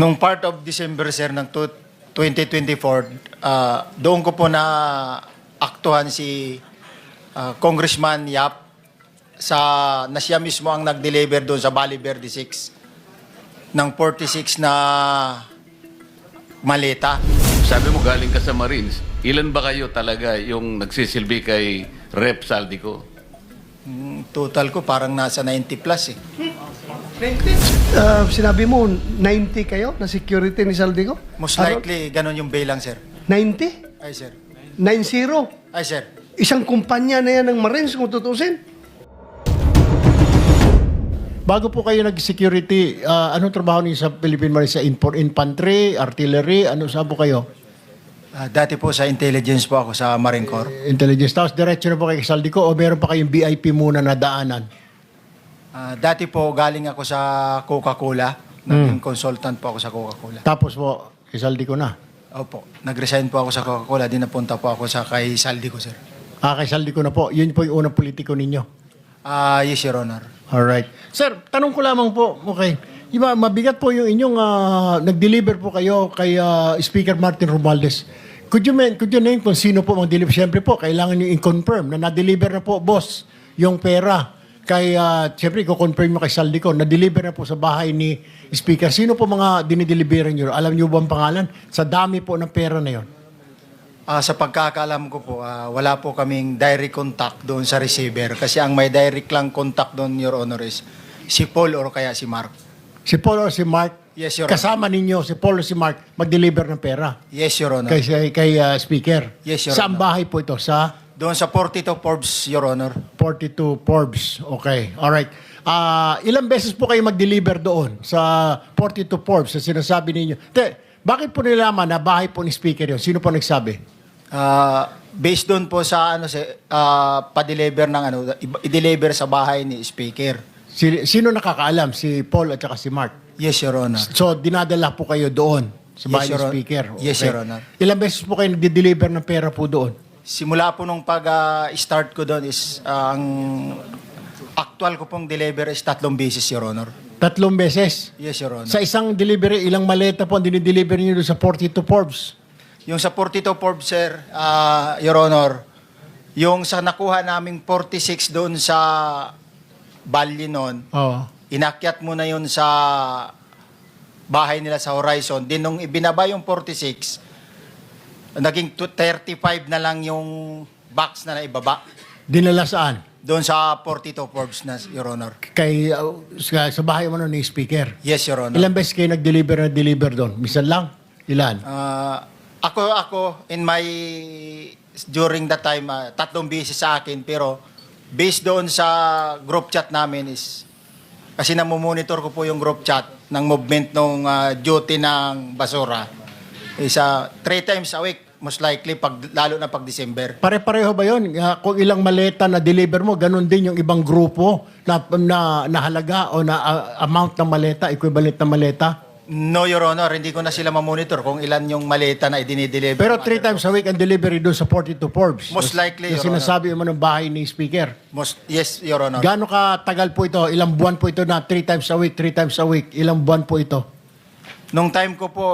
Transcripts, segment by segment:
Nung part of December, sir, ng 2024, doon ko po na aktuhan si Congressman Yap na siya mismo ang nag-deliver doon sa Valle Verde 6 ng 46 na maleta. Sabi mo galing ka sa Marines. Ilan ba kayo talaga yung nagsisilbi kay Rep. Saldico? Total ko parang nasa 90 plus eh. Sinabi mo, 90 kayo na security ni Saldico? Most likely, ganun yung bilang, sir. 90? Ay, sir. 90? Ay, sir. Isang kumpanya na yan ng Marines kung tutusin. Bago po kayo nag-security, anong trabaho niyo sa Philippine Marines? Sa infantry, artillery, ano saan po kayo? Dati po sa intelligence po ako sa Marine Corps. Intelligence. Tapos diretso na po kay Saldico o meron pa kayong VIP muna na daanan? Dati po galing ako sa Coca-Cola. Naging consultant po ako sa Coca-Cola. Tapos po, kay Saldico na? Opo. Nag-resign po ako sa Coca-Cola. Di napunta po ako sa kay Saldico, sir. Kay Saldico na po. Yun po yung unang politiko ninyo? Yes, Your Honor. Alright. Sir, tanong ko lamang po, okay. Iba, mabigat po yung inyong nag-deliver po kayo kay Speaker Martin Romualdez. Could you name kung sino po mag-deliver? Siyempre po, kailangan nyo i-confirm na na-deliver na po, boss, yung pera. Kay, siyempre, i-confirm mo kay Saldico, na-deliver na po sa bahay ni Speaker. Sino po mga dinideliveran nyo? Alam nyo ba ang pangalan? Sa dami po ng pera na yon. Sa pagkakaalam ko po, wala po kaming direct contact doon sa receiver. Kasi ang may direct lang contact doon, Your Honor, is si Paul or kaya si Mark. Si Paul or si Mark? Yes, Your Honor. Kasama ninyo, si Paul or si Mark, mag-deliver ng pera? Yes, Your Honor. Kay Speaker? Yes, Your Saan Honor. bahay po ito? Sa? Doon sa 42 Forbes, Your Honor. 42 Forbes. Okay. Alright. Ilang beses po kayo mag-deliver doon sa 42 Forbes na sinasabi ninyo? Bakit po nilaman na bahay po ni Speaker yun? Sino po nagsabi? Based doon po sa pa-deliver ng i-deliver sa bahay ni Speaker. Sino nakakaalam? Si Paul at saka si Mark? Yes, Your Honor. So, dinadala po kayo doon sa bahay Yes, ni Your Honor. Speaker? Yes, Your Honor. Ilang beses po kayo nag-deliver ng pera po doon? Simula po nung pag-start ko doon is ang actual ko pong deliver is 3 beses, Your Honor. 3 beses? Yes, Your Honor. Sa isang delivery, ilang maleta po ang dinideliver niyo doon sa 42 Forbes? Yung sa 42 Forbes, sir, Your Honor, yung sa nakuha naming 46 doon sa Bali noon, Oo. inakyat mo na yun sa bahay nila sa Horizon. Din nung ibinaba yung 46, naging 35 na lang yung box na naibaba. Dinala saan? Doon sa 42 Forbes na, Your Honor. Kay, sa bahay mo ni Speaker? Yes, Your Honor. Ilang beses kayo nag-deliver doon? Misan lang? Ilan? Ako, during that time, 3 beses sa akin, pero based doon sa group chat namin is, kasi namumonitor ko po yung group chat ng movement ng duty ng basura, is 3 times a week, most likely, lalo na pag December. Pare-pareho ba yun? Kung ilang maleta na deliver mo, ganun din yung ibang grupo na halaga o na amount ng maleta, equivalent na maleta? No, Your Honor, hindi ko na sila mamonitor kung ilan yung maleta na idinideliver. Pero 3 times a week ang delivery doon sa 42 Forbes. Most likely, Yung Your Honor. sinasabi mo ng bahay ni Speaker. Yes, Your Honor. Gaano katagal po ito? Ilang buwan po ito na 3 times a week, 3 times a week? Ilang buwan po ito? Nung time ko po,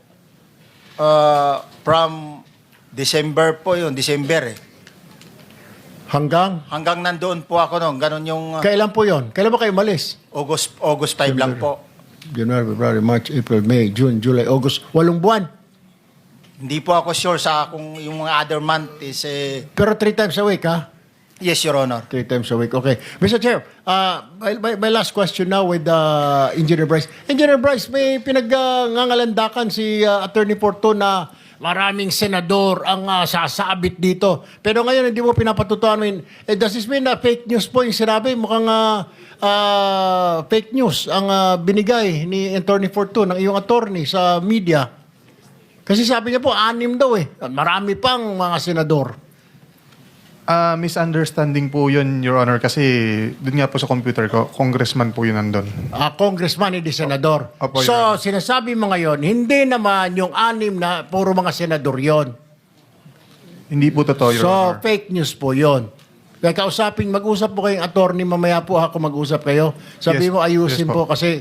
from December po yun, December eh. Hanggang? Hanggang nandoon po ako noon, ganun yung Kailan po yon? Kailan ba kayo malis? August 5 lang po. January, February, March, April, May, June, July, August. 8 buwan. Hindi po ako sure sa kung yung mga other month is Pero 3 times a week, ha? yes, Your Honor. 3 times a week. Okay. Mr. Chair, my last question now with Engineer Bryce. Engineer Bryce, may pinag-ngangalandakan si Attorney Porto na maraming senador ang sasabit dito. Pero ngayon, hindi mo pinapatutuan. Does this mean na fake news po yung sinabi? Mukhang fake news ang binigay ni Attorney Porto ng iyong attorney sa media. Kasi sabi niya po, 6 daw eh. Marami pang mga senador. Misunderstanding po yun, Your Honor, kasi dun nga po sa computer ko, congressman po yun nandun. Congressman, hindi senador. Opo, So, Your Honor. sinasabi mo ngayon, hindi naman yung 6 na puro mga senador yon. Hindi po totoo, Your So, Honor. fake news po yon. Kaya mag-usap po kayong attorney, mamaya po ako mag-usap kayo. Sabi Yes, mo, ayusin yes po po. kasi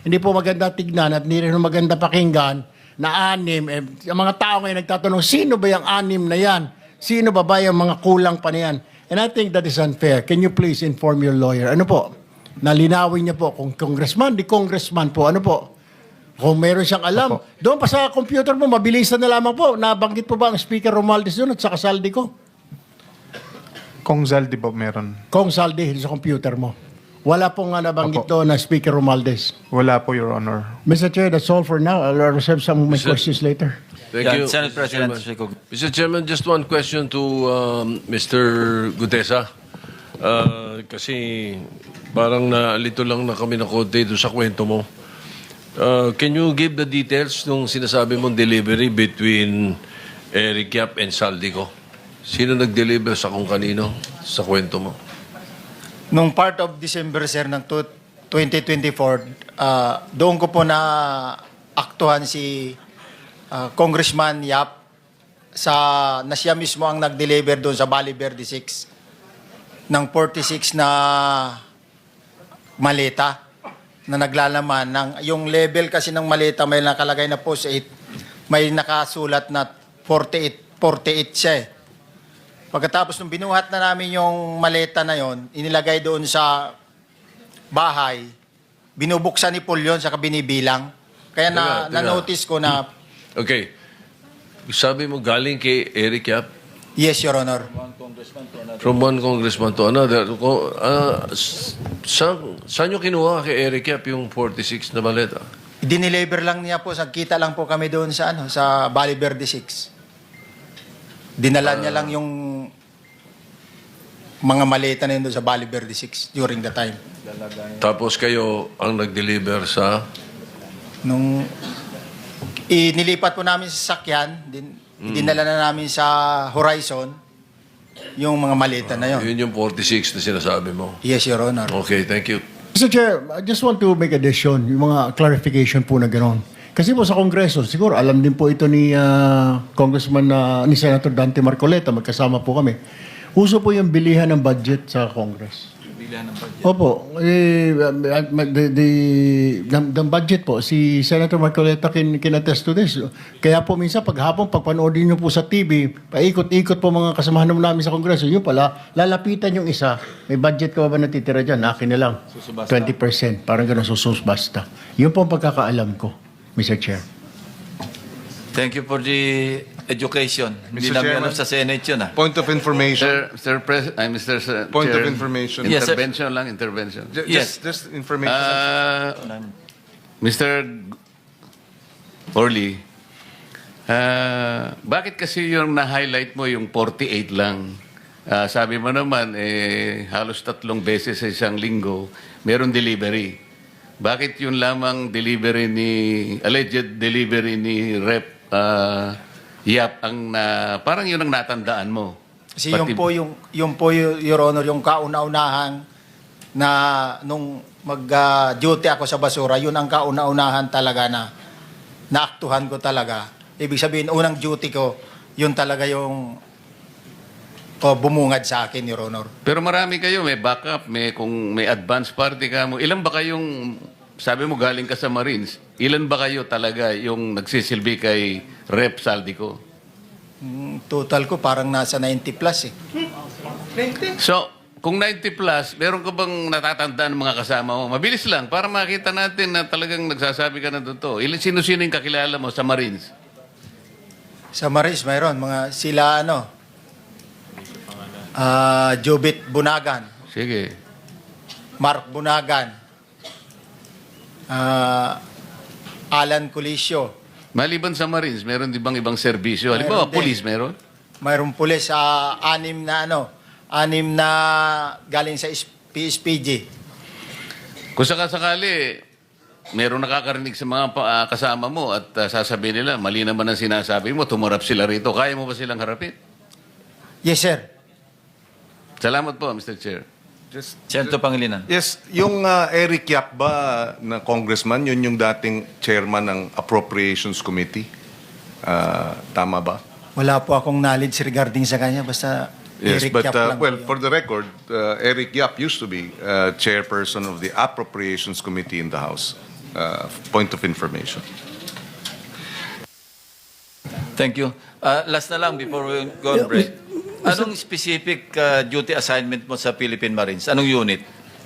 hindi po maganda tignan at hindi rin maganda pakinggan na anim. Ang mga tao ngayon nagtatanong, sino ba yung anim na yan? Sino ba yung mga kulang pa na yan? And I think that is unfair. Can you please inform your lawyer? Ano po? Nalinawin niya po kung congressman, di congressman po. Ano po? Kung meron siyang alam. Doon pa sa computer mo, mabilisan na lamang po. Nabanggit po ba ang Speaker Romualdez doon at saka Saldi ko? Kung Zaldi ba meron? Kung Saldi sa computer mo. Wala pong nabanggit doon na Speaker Romualdez. Wala po, Your Honor. Mr. Chair, that's all for now. I'll reserve some of my questions later. Thank Yeah, you, Senate Mr. President Chairman. Rico. Mr. Chairman, just one question to Mr. Gutesa. Kasi parang naalito lang na kami na konti doon sa kwento mo. Can you give the details nung sinasabi mong delivery between Eric Yap and Saldico? Sino nag-deliver sa kung kanino sa kwento mo? Nung part of December, sir, ng 2024, doon ko po na aktuhan si Congressman Yap na siya mismo ang nag-deliver doon sa Bali Verde 6 ng 46 na maleta na naglalaman ng yung level kasi ng maleta may nakalagay na post 8, may nakasulat na 48 siya eh. Pagkatapos nung binuhat na namin yung maleta na yon, inilagay doon sa bahay, binubuksan ni Paul yun, saka binibilang. Kaya Teka. na-notice ko na, Okay. Sabi mo galing kay Eric Yap? yes, Your Honor. From one congressman to another. Saan nyo kinuha kay Eric Yap yung 46 na maleta? Dineliver lang niya po, kita lang po kami doon sa sa Bali Verde 6. Dinala niya lang yung mga maleta na yun doon sa Bali Verde 6 during the time. Tapos kayo ang nag-deliver sa... Nung inilipat po namin sa sakyan, dinala na namin sa Horizon yung mga maleta na yun. Yun yung 46 na sinasabi mo. Yes, Your Honor. Okay, thank you. Mr. Chair, I just want to make addition, yung mga clarification po na gano'n. Kasi po sa Kongreso, siguro alam din po ito ni Congressman, ni Senator Dante Marcoleta, magkasama po kami. Uso po yung bilihan ng budget sa Congress. Bilihan ng budget. Opo. The budget po, si Senator Marcoleta can attest to this. Kaya po minsan paghapon, pagpanoodin nyo po sa TV, paikot-ikot po mga kasamahan naman namin sa Kongreso, yun pala, lalapitan yung isa, may budget ka ba natitira dyan? Akin na lang. Susubasta. 20%. Parang gano'n, susubasta. Yun po ang pagkakaalam ko, Mr. Chair. Thank you for the education. Hindi Mr. namin Chairman. alam sa Senate yun ah. Point of information. Mr. Point Chair, of information. Yes, sir. Intervention lang, intervention. Yes. Just information. Mr. Orly, bakit kasi yung na-highlight mo yung 48 lang? Sabi mo naman, halos 3 beses sa isang linggo, meron delivery. Bakit yun lamang alleged delivery ni Rep Yap ang parang yun ang natandaan mo? Kasi yung po, Your Honor, yung kauna-unahan na nung mag-duty ako sa basura, yun ang kauna-unahan talaga na naaktuhan ko talaga. Ibig sabihin, unang duty ko, yun talaga yung bumungad sa akin, Your Honor. Pero marami kayo, may backup, kung may advance party ka mo. Ilan ba kayong, sabi mo galing ka sa Marines, ilan ba kayo talaga yung nagsisilbi kay Rep Saldico? Total ko parang nasa 90 plus eh. So, kung 90 plus, meron ka bang natatandaan ng mga kasama mo? Mabilis lang, para makita natin na talagang nagsasabi ka na totoo. Sino-sino yung kakilala mo sa Marines? Sa Marines, mayroon. Mga sila, Jubit Bunagan, Sige. Mark Bunagan, Alan Colisio. Maliban sa Marines, meron di bang ibang serbisyo? Halimbawa, Mayroon din. police meron? Mayroong pulis sa anim na galing sa PSPG. Kung sakasakali, meron nakakarinig sa mga kasama mo at sasabihin nila, mali naman ang sinasabi mo, tumurap sila rito. Kaya mo ba silang harapin? Yes, sir. Salamat po, Mr. Chair. Senator Pangilinan. Yes, yung Eric Yap ba na congressman, yun yung dating chairman ng Appropriations Committee? Tama ba? Wala po akong knowledge regarding sa kanya. Basta Yes, Eric but Yap lang well, po yun. for the record, Eric Yap used to be chairperson of the Appropriations Committee in the House. point of information. Thank you. Last na lang before we go on break. Anong specific duty assignment mo sa Philippine Marines? Anong unit?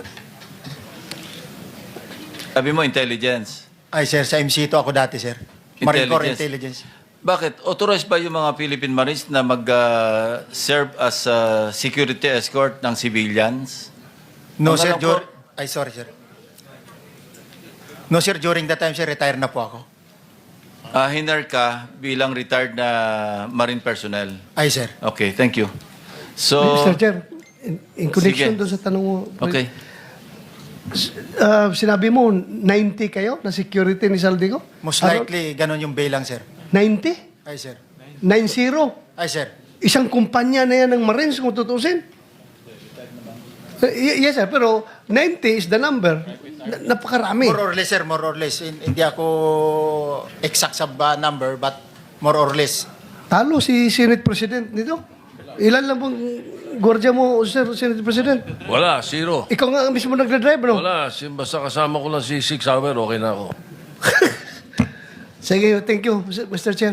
Sabi mo, intelligence. Ay, sir, sa MC2 ako dati, sir. Marine Corps Intelligence. Bakit? Authorized ba yung mga Philippine Marines na mag-serve as security escort ng civilians? No, Ang sir. alam ko- Ay, sorry, sir. No, sir. During that time, sir, retire na po ako. Hinar ka bilang retired na Marine personnel. Ay, sir. Okay, thank you. So, Mr. Chair, in connection Sige. doon sa tanong mo, okay. Sinabi mo, 90 kayo na security ni Saldico? Most likely, ganun yung bilang, sir. 90? Ay, sir. 90? Ay, sir. Isang kumpanya na yan ng Marines kung tutusin. Yes, sir. Pero 90 is the number. Napakarami. More or less, sir. More or less. Hindi ako exact sa number, but more or less. Talo si Senate President nito. Ilan lang pong gwardiya mo, sir, Senate President? Wala, zero. Ikaw nga ang mismo nagdadrive, no? Wala, basta kasama ko lang si 6 hour, okay na ako. Sige, thank you, Mr. Chair.